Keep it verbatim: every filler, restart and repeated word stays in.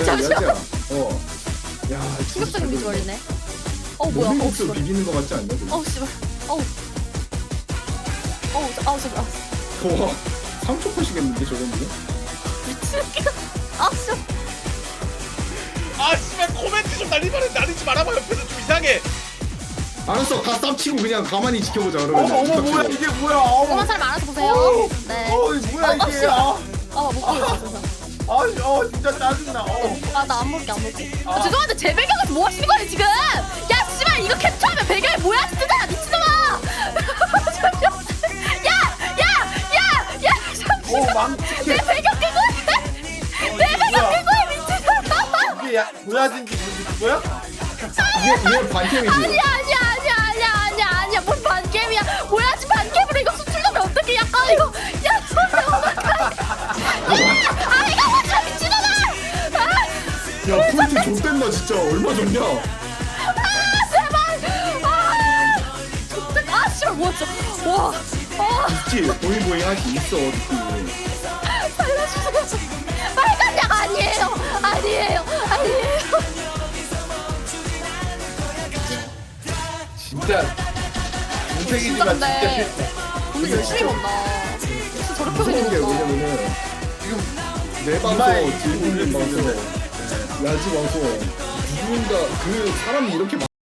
잠시만. 어. 야, 충격적인 비주얼이네. 어 뭐야? 어 모밀국수 씨발. 비비는 거 같지 않냐? 그거? 어우 씨발. 어우. 어우 저- 아우 저 아, 와, 상처 파시겠는데 저거는? 미치겠다. 아 씨발. 아 씨발 코멘트 좀 날리면 날리지 말아봐. 옆에서 좀 이상해. 알았어, 다 쌉치고 그냥 가만히 지켜보자 어머 그러면. 어머 뭐야 이게 뭐야? 어머. 그런 사람 알아서 보세요. 어. 네. 어 이게 뭐야 어, 어, 이게? 씨발. 아, 아못 보겠어 진짜. 아, 어 진짜 짜증나. 어. 아 나 안 볼게 안 볼게. 아, 아. 죄송한데 제 배경에서 뭐 하시는 거예요 지금? 야 씨발 이거 캡처하면 배경이 뭐야 진짜 미친놈아. 야야야야야 오 잠시만. 망치게. 내 배경 끄고 해. 내 배경 끄고 해 미친놈아. 이게 야 보여진지 뭔지 그거야? 얘, 얘 반템이지. 아니야 아니야 아니야 아니야 아니야 아니야 뭔 반캠이야. 뭐야 지금 반캠으로 이거 수출하면 어떡해. 약간 이거 야 손에 오마카. 야 이거 뭐야 미친놈아. 아. 야, 포인트 좆된다 진짜. 얼마 줬냐? 아 제발. 아 좋대. 아 씨발 뭐야 진짜. 와. 아 있지, 보잉보잉 할 수 있어 느낌이. 살려주세요. 빨간 약 아니에요. 아니에요. 아니에요. 진짜 인생이지만 진짜 진짜인데. 싫다. 오늘 열심히 본다. 진짜 저렇게 무서운 게 생겼다. 왜냐면은 지금 내 이마에 방송, 질문님 방송, 야지 방송 누군가 그 사람이 이렇게